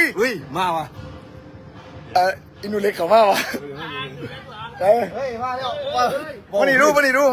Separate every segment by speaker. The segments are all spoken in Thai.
Speaker 1: อุ้ยมาวะ
Speaker 2: อินูเล็กเขามาวะเฮ้ยมาแล้วมานี่ดู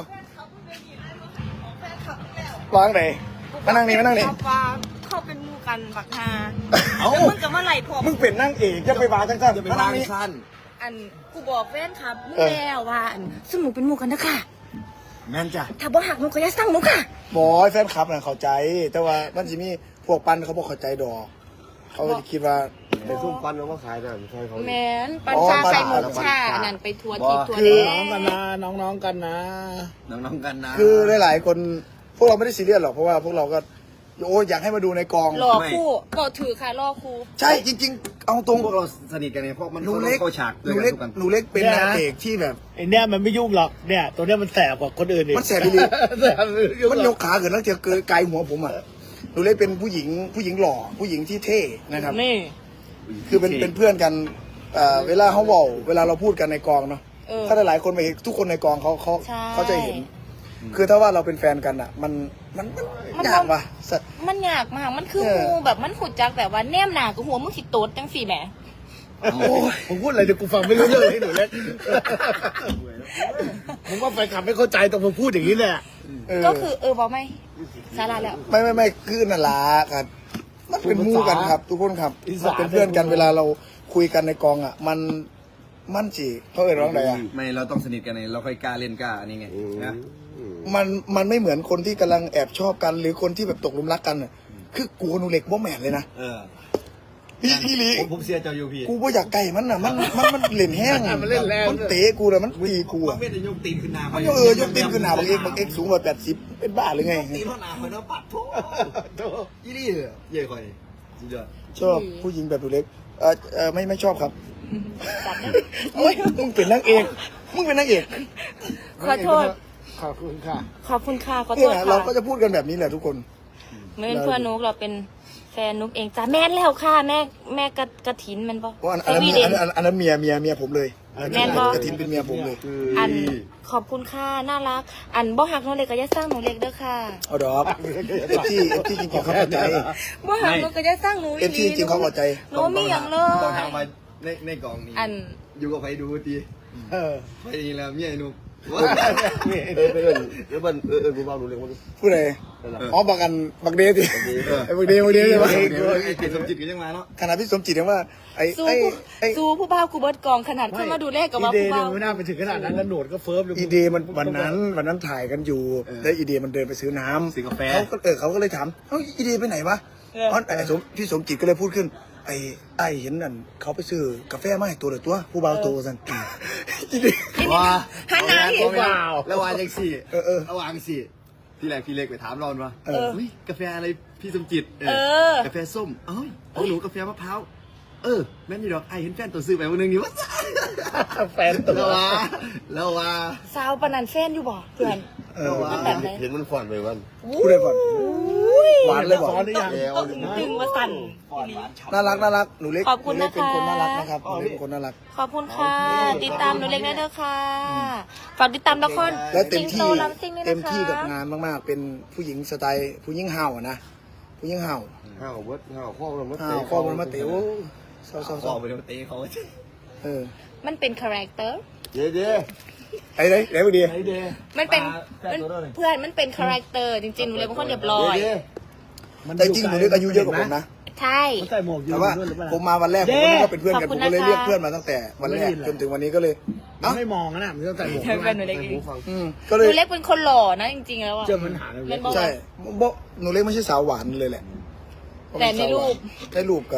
Speaker 2: วางไหนมานั่งนี่
Speaker 3: เขาเป็นมูกันบักฮามึงกับมาไหลผม
Speaker 2: มึงเป็นนั่งเอกจะไปวางสั้น
Speaker 1: จะไปวางสั้น
Speaker 3: อันกูบอกแฟนครับมึงแล้วว่าอันซึ่งหนูเป็นมูกันนะค่ะ
Speaker 1: แม่นจ้ะ
Speaker 3: ถ้าบ่หักหนูก็อย่าสั่งหนูค่ะ
Speaker 2: บอยแฟนคลับน่ะเข้าใจแต่ว่ามันจะมีพวกปันเขาบอกเข้าใจดอกเขาจะคิดว่า
Speaker 1: ไปซุ่มปันแล้วก็ขายนั่นใช่เขา
Speaker 3: แมนปัญชาใส่หมกชานั่นไปทัวร์ทีทัวร์
Speaker 2: คือ
Speaker 3: แ
Speaker 2: น้องกันนะ
Speaker 1: คือ
Speaker 2: หลายๆคนพวกเราไม่ได้ซีเรียสหรอกเพราะว่าพวกเราก็อยากให้มาดูในกอง
Speaker 3: รอคู่ก็ถือค่ะรอคู่
Speaker 2: ใช่จริงๆเอาตรง
Speaker 1: พวกเราสนิทกันเนี่ยเพราะมัน
Speaker 2: หนูเล็กเป็นนางเอกที่แบบ
Speaker 4: ไอเนี้ยมันไม่ยุ่งหรอกเนี่ยตัวเนี้ยมันแสบกว่าคนอื่นอีก
Speaker 2: มันแสบไปเลยมันยกขาเกินแล้วเจอเกินไกลหัวผมอ่ะหนูเล็กเป็นผู้หญิงหล่อผู้หญิงที่เท่นะครับ
Speaker 3: นี่
Speaker 2: คือเป็นเพื่อนกันเวลาเขาบอกเวลาเราพูดกันในกองเนาะถ้าหลายคนไปเห็นทุกคนในกองเขาจะเห็นคือถ้าว่าเราเป็นแฟนกันอ่ะมันยากว่ะ
Speaker 3: มันยากมากมันคืองูแบบมันขุดจักแต่ว่าแนมหนากับหัวมึงสิโตดจังสี่แหม
Speaker 4: ผมพูดอะไรเดี๋ยวกูฟังไม่รู้เรื่องเลยหนูเล็กผมว่าแฟนคลับไม่เข้าใจตรงผมพูดอย่างนี้แหละ
Speaker 3: ก็คือบอกไม่สาระแล้ว
Speaker 2: ไม่คือนั่นล่ะครับมันเป็นมู่กันครับทุกคนครับเป็นเพื่อนกันเวลาเราคุยกันในกองอ่ะมันจีเขาเอ่ยร้องใดอ่ะ
Speaker 1: ไม่เราต้องสนิทกันไงเราค่อยกล้าเล่นกล้าอันนี้ไงนะ
Speaker 2: มันไม่เหมือนคนที่กำลังแอบชอบกันหรือคนที่แบบตกหลุมรักกันอ่ะคือกูนูเล็กบ่แม่นเลยนะพี่ลี
Speaker 1: ผมเสียเจ้าอยู่พี่
Speaker 2: กูบ่อยากไก่มันน่ะมันเล่นแห้งมันเตะกูเลยมันตีกูอ่ะ
Speaker 1: มันยกตีนขึ้นหน้า
Speaker 2: มันยกตีนขึ้นหน้าบางเอ็กสูงกว่า80เป็นบ้าหรือไง
Speaker 1: ตีนเท่าหน้าคอยเนาะปัดโถยี่นี่เย่คอย
Speaker 2: ชอบผู้หญิงแบบนูเล็กไม่ชอบครับมึงเป็นนางเอก
Speaker 3: ขอโทษ
Speaker 4: ขอบคุณค่ะ
Speaker 3: ขอโทษค่ะ
Speaker 2: เราก็จะพูดกันแบบนี้แหละทุกคน
Speaker 3: เมื่อเพื่อนนุกเราเป็นแฟนนุกเองจ้าแม่แล้วค่ะแม่กระถินมันบอก
Speaker 2: อันนั้นเมียผมเลย
Speaker 3: แม่บอก
Speaker 2: กระถินเป็นเมียผมเลย
Speaker 3: อันขอบคุณค่ะน่ารักอันบ่หักน้องเล็กก็จะสร้างหนูเล็กเด้อค่ะ
Speaker 2: เอาดอกที่จริงเขาเข้าใจ
Speaker 3: บ่หักน้องก็จะสร้างหนู
Speaker 2: ที่จริงเขาเข้าใจ
Speaker 3: หนูมีอย่างเลย
Speaker 1: ต้องทำมาในกองนี้อยู่กับใครดูดีไปแล้วเมียนุกแล้วมันกูบอกรู้เลยว่า
Speaker 2: ผู้ใดบักเดสิบักเดใช่ไหม
Speaker 1: ไอ้สมจิตก็ยังมาเนาะ
Speaker 2: ขนาดพี่สมจิตยังว่า
Speaker 3: สู้ผู้บ่าวกูเบิร์ดกองขนาดเข้ามาดูเลขกับว่าผู้บ่าว
Speaker 4: ไม่น่าไปถึงขนาดนั้นแล้วหนวดก็เฟิร์ม
Speaker 2: อีเดมันวันนั้นถ่ายกันอยู่แล้วอีเดมันเดินไปซื้อน้ำ
Speaker 1: ซื้อกาแฟ
Speaker 2: เขาก็เลยถามอีเดไปไหนวะพี่สมจิตก็เลยพูดขึ้นไอ้เห็นนั่นเขาไปซื้อกาแฟมาให้ตัวผู้บ่าวโตสัน
Speaker 1: ว่า
Speaker 3: ฮันนาเห็นว่า
Speaker 1: แล้ววางยังสี่ระวางสี่พี่แรกพี่เล็กไปถามรอนว่ากาแฟอะไรพี่สมจิตกาแฟส้มหนูกาแฟมะพร้าวแม่นี่ดอกไอเห็นแฟนตัวซื้อไปวันนึงนี่วะ
Speaker 4: แฟนตัว
Speaker 1: แล้วว่า
Speaker 3: สาวปนันแฟนอยู่บ่เพื่อน
Speaker 1: เห็นมันฝันไปวัน
Speaker 2: พูดได้ฝันหวานเลยบอก
Speaker 3: ดึงมาสั่น
Speaker 2: น่ารักหนูเล็ก
Speaker 3: ขอบคุณนะคะ
Speaker 2: เป็นคนน่ารักนะครับหนูเล็กเป็นคนน่ารัก
Speaker 3: ขอบคุณค่ะติดตามหนูเล็กได้เด้อค่ะฝากติดตามละคร
Speaker 2: และเต็มที่กับงานมากๆเป็นผู้หญิงสไตล์ผู้หญิงเห่านะผู้หญิงเห่า
Speaker 1: ข้อมัน
Speaker 2: มาเต๋อ
Speaker 1: ข้อมันมาเต๋อเขา
Speaker 3: มันเป็นคาแรคเตอร์
Speaker 1: เด้
Speaker 2: ไอ้พอดี
Speaker 3: มันเป็นเพื่อนมันเป็นคาแรคเตอร์จริงๆหนูเลยเป็นคนเรียบร้อย
Speaker 2: แต่จริงหนูเล็กอายุเยอะกว่าผมนะ
Speaker 3: ใช่
Speaker 2: แต่ว่าผมมาวันแรกผมก็นึกว่าเป็นเพื่อนกันผมก็เลยเรียกเพื่อนมาตั้งแต่วันแรกจนถึงวันนี้ก็เลย
Speaker 4: ไม่มองนะมันต้องใส่หมวก
Speaker 3: เป็นหนูเล็กเอง
Speaker 2: ก็เลย
Speaker 3: หนูเล็กเป็นคนหล่อนะจริงๆแล้วอ่ะ
Speaker 4: เจอมันหา
Speaker 2: ใช่หนูเล็กไม่ใช่สาวหวานเลยแหละ
Speaker 3: แต่ใน
Speaker 2: รูป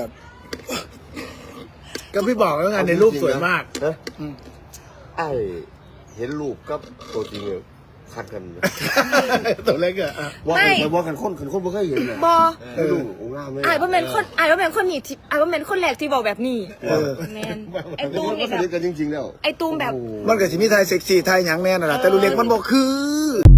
Speaker 4: ก็พี่บอกแล้วไงในรูปสวยมาก
Speaker 1: ไอเห็นรูปกับตัวจริงคัดกัน
Speaker 4: ตัวเล็กอะ
Speaker 1: ว่ากันคนไม่เคยเห็นเลย
Speaker 3: บอ
Speaker 1: ดูงามเลย
Speaker 3: ไอ้ว่าเป็นคนนี่ไอ้ว่าเป็นคนแรกที่บอกแบบนี้แมนไอ้ตูม
Speaker 1: นี่กันจริงๆแล้ว
Speaker 3: ไอ้ตูมแบบ
Speaker 2: มันก็จะมีไทยเซ็กซี่ไทยหยังแน่นน่ะแต่ลูกเล็กมันบอกคือ